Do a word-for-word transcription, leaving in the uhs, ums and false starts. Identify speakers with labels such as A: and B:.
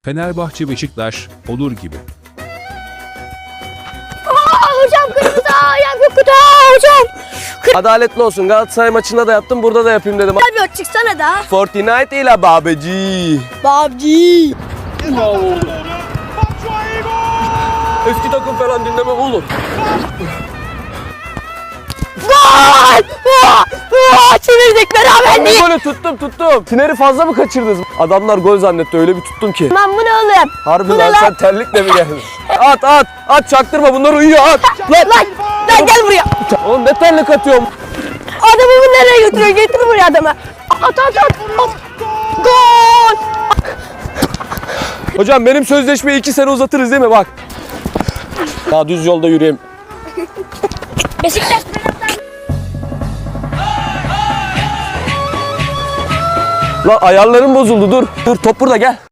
A: Fenerbahçe Beşiktaş olur gibi.
B: Aa, hocam kırmızı ayağım yok kutu hocam.
C: Adaletli olsun. Galatasaray maçında da yaptım, burada da yapayım dedim.
B: Abi çıksana da.
C: Fortnite ile babeci.
B: Babci.
C: Eski takım falan dinlemem oğlum.
B: Gol! Aa, aa, çevirdik beraberliği.
C: Golü tuttum tuttum. Tineri fazla mı kaçırdınız? Adamlar gol zannetti, öyle bir tuttum ki.
B: Lan bu ne oğlum?
C: Harbi
B: Bu ne
C: lan,
B: lan?
C: sen terlikle mi geldin? At at at, çaktırma, bunlar uyuyor, at.
B: Lan lan lan gel buraya.
C: Oğlum ne terlik atıyorum?
B: Adamı bu nereye götürüyor? Getir buraya adamı. At at at. at. Gol!
C: Hocam benim sözleşmeyi iki sene uzatırız değil mi, bak. Daha düz yolda yürüyeyim.
B: Beşiktaş.
C: Lan ayarlarım bozuldu, dur. Dur, top burada, gel.